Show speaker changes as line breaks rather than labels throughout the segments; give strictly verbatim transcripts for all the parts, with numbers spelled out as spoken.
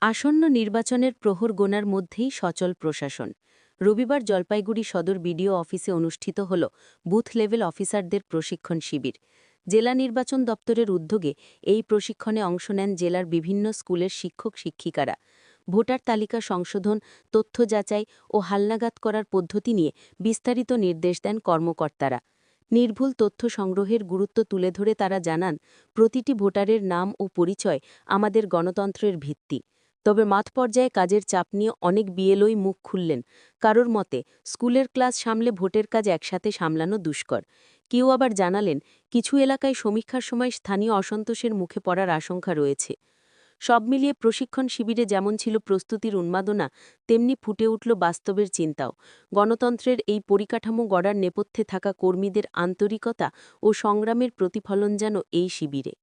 আসন্ন নির্বাচনের প্রহর গোনার মধ্যেই সচল প্রশাসন। রবিবার জলপাইগুড়ি সদর বিডিও অফিসে অনুষ্ঠিত হল বুথ লেভেল অফিসারদের প্রশিক্ষণ শিবির। জেলা নির্বাচন দপ্তরের উদ্যোগে এই প্রশিক্ষণে অংশ নেন জেলার বিভিন্ন স্কুলের শিক্ষক শিক্ষিকারা। ভোটার তালিকা সংশোধন, তথ্য যাচাই ও হালনাগাদ করার পদ্ধতি নিয়ে বিস্তারিত নির্দেশ দেন কর্মকর্তারা। নির্ভুল তথ্য সংগ্রহের গুরুত্ব তুলে ধরে তারা জানান, প্রতিটি ভোটারের নাম ও পরিচয় আমাদের গণতন্ত্রের ভিত্তি। তবে মাঠ পর্যায়ে কাজের চাপ নিয়ে অনেক বিএলওই মুখ খুললেন। কারোর মতে স্কুলের ক্লাস সামলে ভোটের কাজ একসাথে সামলানো দুষ্কর। কেউ আবার জানালেন, কিছু এলাকায় সমীক্ষার সময় স্থানীয় অসন্তোষের মুখে পড়ার আশঙ্কা রয়েছে। সব মিলিয়ে প্রশিক্ষণ শিবিরে যেমন ছিল প্রস্তুতির উন্মাদনা, তেমনি ফুটে উঠল বাস্তবের চিন্তাও। গণতন্ত্রের এই পরিকাঠামো গড়ার নেপথ্যে থাকা কর্মীদের আন্তরিকতা ও সংগ্রামের প্রতিফলন যেন এই শিবিরে।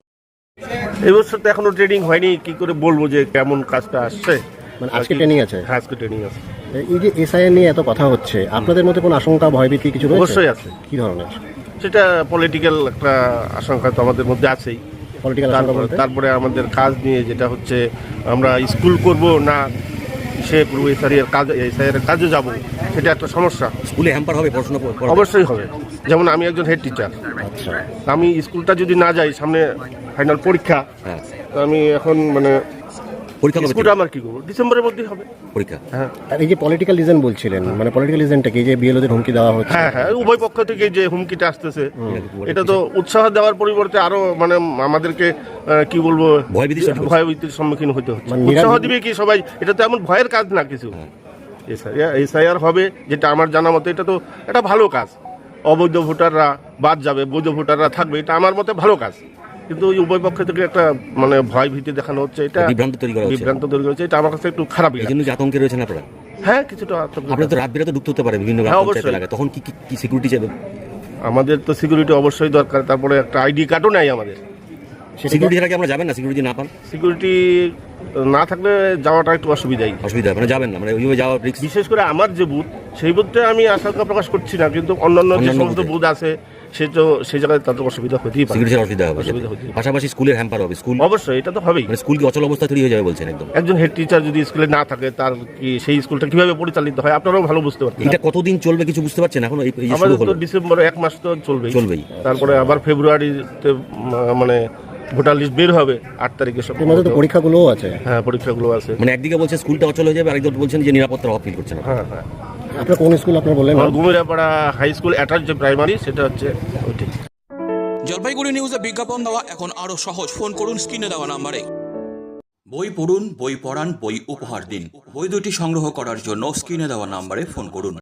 এবছর তো এখনো ট্রেনিং হয়নি, কি করে বলবো যে কেমন কাজটা আসছে।
মানে আজকে ট্রেনিং আছে?
হ্যাঁ, আজকে ট্রেনিং আছে।
এই যে এসআইআর নিয়ে এত কথা হচ্ছে, আপনাদের মধ্যে কোনো আশঙ্কা ভয়ভীতি কিছু রয়েছে?
অবশ্যই আছে।
কি ধরনের?
সেটা পলিটিক্যাল একটা আশঙ্কা তো আমাদের মধ্যে আছেই।
পলিটিক্যাল আশঙ্কা বলতে?
তারপরে আমাদের কাজ নিয়ে যেটা হচ্ছে, আমরা স্কুল করব না সে পুরো এসআইআর কাজ এসআইআর কাজে যাব, সেটা একটা সমস্যা।
স্কুলে হ্যাম্পার হবে পড়াশোনা?
অবশ্যই হবে। যেমন আমি একজন হেড টিচার,
আচ্ছা,
আমি স্কুলটা যদি না যাই, সামনে ফাইনাল পরীক্ষা,
হ্যাঁ,
তো আমি এখন মানে
পরীক্ষা কবে?
স্কুলটা আমার কি করবো, ডিসেম্বরের মধ্যেই হবে
পরীক্ষা।
হ্যাঁ,
আর এই যে পলিটিক্যাল রিজন বলছিলেন, মানে পলিটিক্যাল রিজনটা কি, যে বিএলওদের হুমকি দেওয়া হচ্ছে?
হ্যাঁ হ্যাঁ উভয় পক্ষ থেকে যে হুমকিটা আসতেছে, এটা তো উৎসাহ দেওয়ার পরিবর্তে আরো মানে আমাদেরকে আহ, কি বলবো,
ভয়ভীতির সৃষ্টি হচ্ছে।
ভয়ভীতির সম্মুখীন হতে হচ্ছে।
মানে
উৎসাহ
নিরাপদ-
দিবে কি সবাই? এটা তো এমন ভয়ের কাজ না কিছু। এসআইআর হবে, যেটা আমার জানা মতে এটা তো এটা ভালো কাজ। অবৈধ ভোটাররা বাদ যাবে, বৈধ ভোটাররা থাকবে, এটা আমার মতে ভালো কাজ। কিন্তু ওই উভয় পক্ষ থেকে একটা মানে ভয় ভীতি দেখানো হচ্ছে, এটা
বিভ্রান্ত তৈরি করা হচ্ছে।
বিভ্রান্ত তৈরি করা হচ্ছে, এটা আমার কাছে একটু খারাপ
এই
লাগে।
জন্য যে আতঙ্কে রয়েছেন আপনারা?
হ্যাঁ, কিছুটা আতঙ্ক।
আপনার তো রাত বিরাতে ঢুকতে হতে পারে বিভিন্ন
হ্যাঁ,
গ্রাম পঞ্চায়েত
অবশ্যই।
এলাকায়, তখন কি কি- কি সিকিউরিটি চাইবে?
আমাদের তো সিকিউরিটি অবশ্যই দরকার, তারপরে একটা আইডি কার্ডও নাই আমাদের।
সেটা
সিকিউরিটি ছাড়া কি আমরা যাবেন না? সিকিউরিটি না পান?
সিকিউরিটি না থাকলে যাওয়াটা একটু অসুবিধাই।
অসুবিধা হবে, মানে যাবেন না, মানে ওইভাবে যাওয়া রিস্ক।
বিশেষ করে আমার যে বুথ, সেই বুথটা আমি আশঙ্কা প্রকাশ করছি না, কিন্তু অন্যান্য যে
অন্যান্য
সমস্ত
বুথে।
বুথ আছে, সে তো সেই জায়গায় তাদের অসুবিধা হতেই পারে।
সিকিউরিটি ছাড়া অসুবিধা হবে।
অসুবিধা হতেই পারে।
পাশাপাশি স্কুলের হ্যাম্পার হবে। স্কুল
অবশ্যই, এটা তো হবেই।
মানে স্কুল কি অচল অবস্থা তৈরি হয়ে যাবে বলছেন একদম?
একজন হেড টিচার যদি স্কুলে না থাকে, তার কি সেই স্কুলটা কিভাবে পরিচালিত হয় আপনারাও ভালো বুঝতে পারছেন।
এটা কতদিন চলবে কিছু বুঝতে পারছেন এখন? এই এই যে
আমাদের
শুরু
তো
হলো,
ডিসেম্বরে এক মাস তো চলবেই
চলবেই।
তারপরে আবার ফেব্রুয়ারিতে উম, মানে ভোটার লিস্ট বের হবে আট তারিখে সব।
এর মধ্যে তো পরীক্ষাগুলোও আছে।
হ্যাঁ, পরীক্ষাগুলো আছে।
মানে একদিকে বলছে স্কুলটা অচল হয়ে যাবে, আরেকদিকে বলছেন যে নিরাপত্তা অভাব ফিল করছেন।
হ্যাঁ হ্যাঁ
আপনার কোন স্কুল আপনার বললেন?
আমার গুমিরাপাড়া হাই স্কুল অ্যাটাচ যে প্রাইমারি, সেটা হচ্ছে ওইটি।
জলপাইগুড়ি নিউজে বিজ্ঞাপন দেওয়া এখন আরো সহজ। ফোন করুন স্ক্রিনে দেওয়া নাম্বারে। বই পড়ুন, বই পড়ান, বই উপহার দিন। বই দুটি সংগ্রহ করার জন্য স্ক্রিনে দেওয়া নাম্বারে ফোন করুন।